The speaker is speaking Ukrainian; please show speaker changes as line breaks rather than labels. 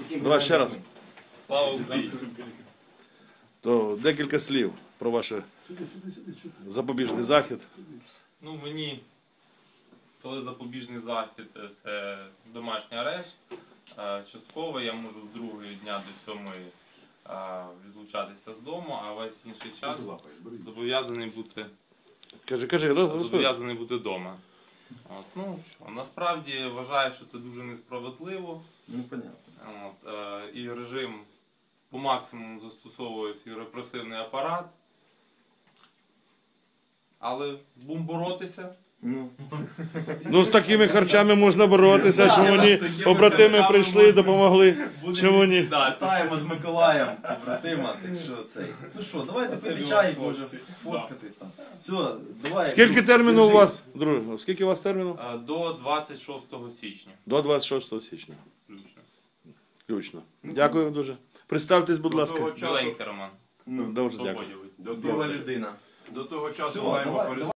Давай ще раз.
Слава Україні!
То декілька слів про ваш запобіжний захід.
Ну, мені, коли запобіжний захід, це домашній арешт. Частково я можу з 2-ї дня до 7-ї відлучатися з дому, а весь інший час зобов'язаний бути вдома. Ну, що, насправді вважаю, що це дуже несправедливо.
Ну, понятно.
І режим по максимуму застосовує свій репресивний апарат. Але будемо боротися.
Ну, з такими харчами можна боротися, чому ні? Побратими прийшли, допомогли, чому ні?
Вітаємо з Миколаєм, побратима, так що цей. Ну що, давайте пити чай, може фоткатись там. Все, давай.
Скільки терміну у вас, друже? Скільки у вас терміну?
До 26 січня.
До 26 січня.
Включно.
Включно. Дякую дуже. Представтесь, будь ласка.
Біленький Роман.
Дуже дякую.
Свободівий.
Біла людина.
До того часу
Все,
маємо
давай.